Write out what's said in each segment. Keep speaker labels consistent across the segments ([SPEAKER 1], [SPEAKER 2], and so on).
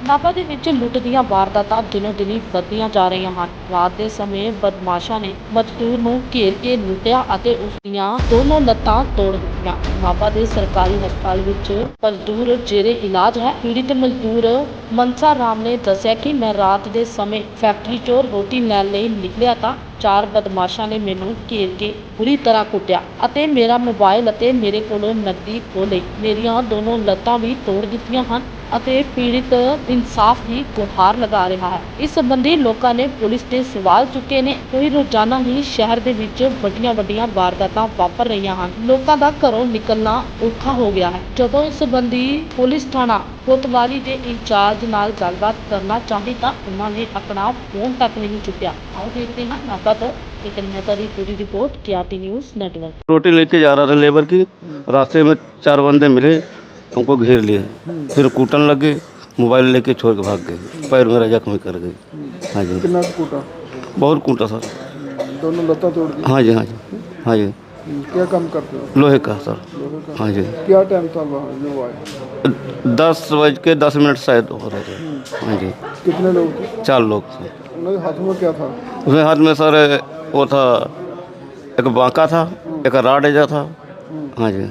[SPEAKER 1] ਨਾਭਾ ਦੇ ਵਿੱਚ ਲੁੱਟ ਦੀਆਂ ਵਾਰਦਾਤਾਂ ਦਿਨੋਂ ਦਿਨ ਵੱਧਦੀਆਂ ਜਾ ਰਹੀਆਂ ਹਨ। ਰਾਤ ਦੇ ਸਮੇਂ ਬਦਮਾਸ਼ਾਂ ਨੇ ਮਜ਼ਦੂਰ ਨੂੰ ਘੇਰ ਕੇ ਲੁੱਟਿਆ ਅਤੇ ਉਸ ਦੀਆਂ ਦੋਨੋਂ ਲੱਤਾਂ ਤੋੜ ਦਿੱਤੀਆਂ। ਨਾਭਾ ਦੇ ਸਰਕਾਰੀ ਹਸਪਤਾਲ ਵਿੱਚ ਮਜ਼ਦੂਰ ਜੇਰੇ ਇਲਾਜ ਹੈ। ਪੀੜਿਤ ਮਜ਼ਦੂਰ ਮਨਸਾ ਰਾਮ ਨੇ ਦੱਸਿਆ ਕਿ ਮੈਂ ਰਾਤ ਦੇ ਸਮੇਂ ਫੈਕਟਰੀ 'ਚੋਂ ਰੋਟੀ ਲੈਣ ਲਈ ਨਿਕਲਿਆ ਤਾਂ 4 ਬਦਮਾਸ਼ਾਂ ਨੇ ਮੈਨੂੰ ਘੇਰ ਕੇ ਬੁਰੀ ਤਰ੍ਹਾਂ ਕੁੱਟਿਆ ਅਤੇ ਮੇਰਾ ਮੋਬਾਈਲ ਅਤੇ ਮੇਰੇ ਕੋਲੋਂ ਨਕਦੀ ਖੋਹ ਲਈ। ਮੇਰੀਆਂ ਦੋਨੋਂ ਲੱਤਾਂ ਵੀ ਤੋੜ ਦਿੱਤੀਆਂ ਹਨ ਅਤੇ ਪੀੜਿਤ ਇਨਸਾਫ ਦੀ ਗੁਹਾਰ ਲਗਾ ਰਿਹਾ ਹੈ। ਇਸ ਸੰਬੰਧੀ ਲੋਕਾਂ ਨੇ ਪੁਲਿਸ ਤੇ ਸਵਾਲ ਚੁੱਕੇ ਨੇ। ਕੋਈ ਰੋਜ਼ਾਨਾ ਹੀ ਸ਼ਹਿਰ ਦੇ ਵਿੱਚ ਵੱਡੀਆਂ ਵਾਰਦਾਤਾਂ ਵਾਪਰ ਰਹੀਆਂ ਹਨ। ਲੋਕਾਂ ਦਾ ਘਰੋਂ ਨਿਕਲਣਾ ਔਖਾ ਹੋ ਗਿਆ ਹੈ। ਜਦੋਂ ਇਸ ਸੰਬੰਧੀ ਪੁਲਿਸ ਥਾਣਾ ਕੋਤਵਾਲੀ ਦੇ ਇੰਚਾਰਜ ਨਾਲ ਗੱਲਬਾਤ ਕਰਨਾ ਚਾਹੀ ਤਾਂ ਉਹਨਾਂ ਨੇ ਆਪਣਾ ਫੋਨ ਤੱਕ ਨਹੀਂ ਚੁੱਕਿਆ। ਆਓ देखते हैं नाका तो एक नेता की पूरी रिपोर्ट TRT न्यूज़ नेटवर्क।
[SPEAKER 2] रोटी लेके जा रहा था लेबर की, रास्ते में 4 बंदे मिले, हमको घेर लिए, फिर कूटन लगे, मोबाइल लेके छोड़ के भाग गए, पैर मेरा जख्मी कर गए। हाँ जी।
[SPEAKER 3] कितना कूटा?
[SPEAKER 2] बहुत कूटा सर।
[SPEAKER 3] दोनों लत्ता तोड़ दी?
[SPEAKER 2] हाँ जी, हाँ जी, हाँ जी।
[SPEAKER 3] क्या काम करते हो?
[SPEAKER 2] लोहे का सर।
[SPEAKER 3] लोहे का?
[SPEAKER 2] हाँ जी।
[SPEAKER 3] क्या टाइम था वहाँ जो आए?
[SPEAKER 2] 10:10 सायद हो रहे थे। हाँ जी।
[SPEAKER 3] कितने लोग थे?
[SPEAKER 2] 4 लोग थे।
[SPEAKER 3] उनके हाथों में क्या था?
[SPEAKER 2] उसमें हाथ में सर वो था, एक बांका था, एक राड एजा था। हाँ जी।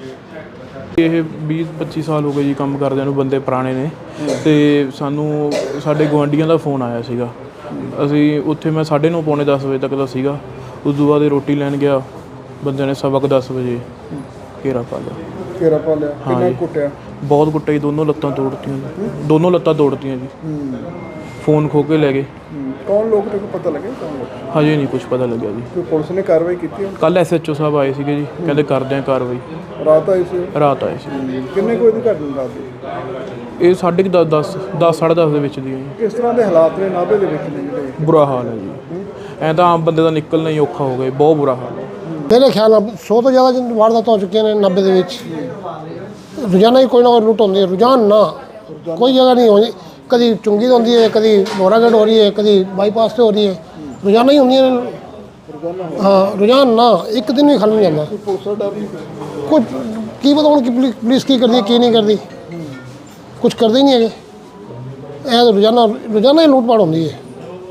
[SPEAKER 4] ਇਹ 20-25 ਸਾਲ ਹੋ ਗਏ ਜੀ ਕੰਮ ਕਰਦਿਆਂ ਨੂੰ, ਬੰਦੇ ਪੁਰਾਣੇ ਨੇ। ਤੇ ਸਾਨੂੰ ਸਾਡੇ ਗੁਆਂਢੀਆਂ ਦਾ ਫੋਨ ਆਇਆ ਸੀਗਾ। ਅਸੀਂ ਉੱਥੇ ਮੈਂ 9:30 ਪੌਣੇ 10 ਵਜੇ ਤੱਕ ਦਾ ਸੀਗਾ। ਉਸ ਤੋਂ ਬਾਅਦ ਰੋਟੀ ਲੈਣ ਗਿਆ, ਬੰਦੇ ਨੇ 10:15 ਵਜੇ ਘੇਰਾ ਪਾ ਲਿਆ।
[SPEAKER 3] घेरा पा लिया?
[SPEAKER 4] हाँ
[SPEAKER 3] कितना
[SPEAKER 4] जी।
[SPEAKER 3] कुटिया?
[SPEAKER 4] ਬਹੁਤ ਕੁੱਟਿਆ ਜੀ, ਦੋਨੋਂ ਲੱਤਾਂ ਤੋੜਤੀਆਂ ਜੀ, ਦੋਨੋਂ ਲੱਤਾਂ ਤੋੜਤੀਆਂ ਜੀ। ਫੋਨ ਖੋ ਕੇ ਲੈ ਗਏ।
[SPEAKER 3] कौन लोग थे? को पता लगे कौन लोग?
[SPEAKER 4] ਹਜੇ ਨਹੀਂ ਕੁਝ ਪਤਾ ਲੱਗਿਆ ਜੀ।
[SPEAKER 3] कोई पुलिस ने कार्रवाई की थी?
[SPEAKER 4] ਕੱਲ੍ਹ SHO ਸਾਹਿਬ ਆਏ ਸੀਗੇ ਜੀ, ਕਹਿੰਦੇ ਕਰਦੇ ਆ ਕਾਰਵਾਈ।
[SPEAKER 3] रात आई सी?
[SPEAKER 4] ਰਾਤ ਆਏ ਸੀ।
[SPEAKER 3] किन्ने कोई नहीं कर रात ਦੀ?
[SPEAKER 4] ਇਹ 10:30 10:30 ਦੇ ਵਿੱਚ ਦੀ ਹੈ ਜੀ।
[SPEAKER 3] किस तरह के हालात ने नाभे ਦੇ ਵਿੱਚ ਨੇ ਜਿਹੜੇ?
[SPEAKER 4] ਬੁਰਾ ਹਾਲ ਹੈ ਜੀ। ਐਂ ਤਾਂ ਆਮ ਬੰਦੇ ਦਾ ਨਿਕਲਣਾ ਹੀ ਔਖਾ ਹੋ ਗਿਆ, ਬਹੁਤ ਬੁਰਾ ਹਾਲ ਹੈ।
[SPEAKER 5] मेरे ख्याल ਨਾਲ 100 ਤੋਂ ਜ਼ਿਆਦਾ ਵਾਰਦਾਤਾਂ ਹੋ ਚੁੱਕੀਆਂ ਨੇ 90 ਦੇ ਵਿੱਚ। ਰੋਜ਼ਾਨਾ ਹੀ ਕੋਈ ਨਾ ਕੋਈ ਲੁੱਟ ਹੁੰਦੀ ਹੈ। ਰੋਜ਼ਾਨ ਨਾ ਕੋਈ ਜਗ੍ਹਾ ਨਹੀਂ ਹੋਣੀ, ਕਦੀ ਚੁੰਗੀ ਤੋਂ ਹੁੰਦੀ ਹੈ, ਕਦੀ ਮੋਰਾਗੜ ਹੋ ਰਹੀ ਹੈ, ਕਦੀ ਬਾਈਪਾਸ ਤੇ ਹੋ ਰਹੀ ਹੈ। ਰੋਜ਼ਾਨਾ ਹੀ ਹੁੰਦੀਆਂ ਨੇ। ਹਾਂ ਰੋਜ਼ਾਨ ਨਾ, ਇੱਕ ਦਿਨ ਵੀ ਖਾਲੀ ਨਹੀਂ ਜਾਂਦਾ।
[SPEAKER 3] ਪੁਲਿਸ ਦਾ ਡਰ ਨਹੀਂ?
[SPEAKER 5] ਕੁਝ ਕੀ ਪਤਾ ਹੁਣ ਕਿ ਪੁਲਿਸ ਕੀ ਕਰਦੀ ਹੈ ਕੀ ਨਹੀਂ ਕਰਦੀ, ਕੁਝ ਕਰਦੇ ਹੀ ਨਹੀਂ ਹੈਗੇ। ਇਹ ਰੋਜ਼ਾਨਾ ਹੀ ਲੁੱਟ ਪਾੜ ਹੁੰਦੀ ਹੈ।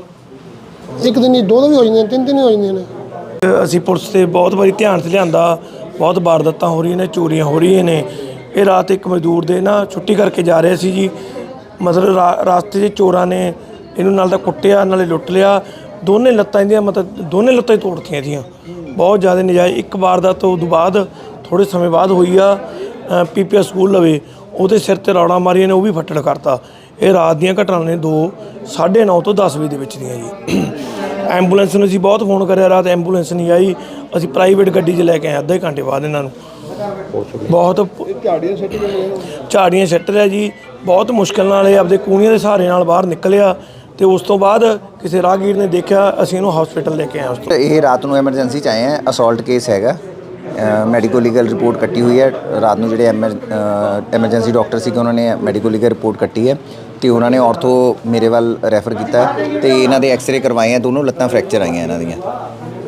[SPEAKER 5] ਇੱਕ ਦਿਨ ਹੀ 2 ਵੀ ਹੋ ਜਾਂਦੀਆਂ, 3 ਵੀ ਹੋ ਜਾਂਦੀਆਂ ਨੇ।
[SPEAKER 6] ਅਸੀਂ ਪੁਲਿਸ ਤੇ ਬਹੁਤ ਵਾਰੀ ਧਿਆਨ 'ਚ ਲਿਆਂਦਾ, ਬਹੁਤ ਵਾਰਦਾਤਾਂ ਹੋ ਰਹੀਆਂ ਨੇ, ਚੋਰੀਆਂ ਹੋ ਰਹੀਆਂ ਨੇ। ਇਹ ਰਾਤ ਇੱਕ ਮਜ਼ਦੂਰ ਦੇ ਨਾ ਛੁੱਟੀ ਕਰਕੇ ਜਾ ਰਹੇ ਸੀ ਜੀ, ਮਤਲਬ ਰਾਸਤੇ 'ਚ ਚੋਰਾਂ ਨੇ ਇਹਨੂੰ ਨਾਲ ਤਾਂ ਕੁੱਟਿਆ ਨਾਲੇ ਲੁੱਟ ਲਿਆ। ਦੋਨੇ ਲੱਤਾਂ ਇਹਦੀਆਂ ਮਤਲਬ ਦੋਨੇ ਲੱਤਾਂ ਹੀ ਤੋੜਤੀਆਂ ਇਹਦੀਆਂ, ਬਹੁਤ ਜ਼ਿਆਦਾ ਨਜਾਇਜ਼। ਇੱਕ ਵਾਰਦਾਤ ਤੋਂ ਬਾਅਦ ਥੋੜ੍ਹੇ ਸਮੇਂ ਬਾਅਦ ਹੋਈ ਆ PPS ਸਕੂਲ ਲਵੇ, ਉਹਦੇ ਸਿਰ 'ਤੇ ਰੌੜਾਂ ਮਾਰੀਆਂ ਨੇ, ਉਹ ਵੀ ਫੱਟੜ ਕਰਤਾ। ਇਹ ਰਾਤ ਦੀਆਂ ਘਟਨਾਵਾਂ ਨੇ 9:30 ਤੋਂ 10 ਵਜੇ ਦੇ ਵਿੱਚ ਦੀਆਂ ਜੀ। ਐਂਬੂਲੈਂਸ ਨੂੰ ਅਸੀਂ ਬਹੁਤ ਫੋਨ ਕਰਿਆ, ਰਾਤ ਐਂਬੂਲੈਂਸ ਨਹੀਂ ਆਈ। ਅਸੀਂ ਪ੍ਰਾਈਵੇਟ ਗੱਡੀ 'ਚ ਲੈ ਕੇ ਆਏ ਅੱਧੇ ਘੰਟੇ ਬਾਅਦ ਇਹਨਾਂ ਨੂੰ। ਬਹੁਤ
[SPEAKER 3] ਝਾੜੀਆਂ ਸਿੱਟ ਕੇ ਗਏ?
[SPEAKER 6] ਝਾੜੀਆਂ ਸਿੱਟ ਰਿਹਾ ਜੀ, ਬਹੁਤ ਮੁਸ਼ਕਿਲ ਨਾਲ ਇਹ ਆਪਦੇ ਕੂਣੀਆਂ ਦੇ ਸਹਾਰੇ ਨਾਲ ਬਾਹਰ ਨਿਕਲਿਆ। ਤੇ ਉਸ ਤੋਂ ਬਾਅਦ ਕਿਸੇ ਰਾਹਗੀਰ ਨੇ ਦੇਖਿਆ, ਅਸੀਂ ਇਹਨੂੰ ਹਸਪੀਟਲ ਲੈ ਕੇ ਆਏ। ਉਸ ਤੋਂ
[SPEAKER 7] ਇਹ ਰਾਤ ਨੂੰ ਐਮਰਜੈਂਸੀ 'ਚ ਆਏ ਆ। ਅਸੌਲਟ ਕੇਸ ਹੈਗਾ, ਮੈਡੀਕੋ ਲੀਗਲ ਰਿਪੋਰਟ ਕੱਟੀ ਹੋਈ ਹੈ। ਰਾਤ ਨੂੰ ਜਿਹੜੇ ਐਮਰਜੈਂਸੀ ਡਾਕਟਰ ਸੀਗੇ ਉਹਨਾਂ ਨੇ ਮੈਡੀਕੋ ਲੀਗਲ ਰਿਪੋਰਟ ਕੱਟੀ ਹੈ ਤੇ ਉਹਨਾਂ ਨੇ ਆਰਥੋ ਮੇਰੇ ਵੱਲ ਰੈਫਰ ਕੀਤਾ ਤੇ ਇਹਨਾਂ ਦੇ ਐਕਸ-ਰੇ ਕਰਵਾਏ ਆ। ਦੋਨੋਂ ਲੱਤਾਂ ਫ੍ਰੈਕਚਰ ਆਈਆਂ ਇਹਨਾਂ ਦੀਆਂ।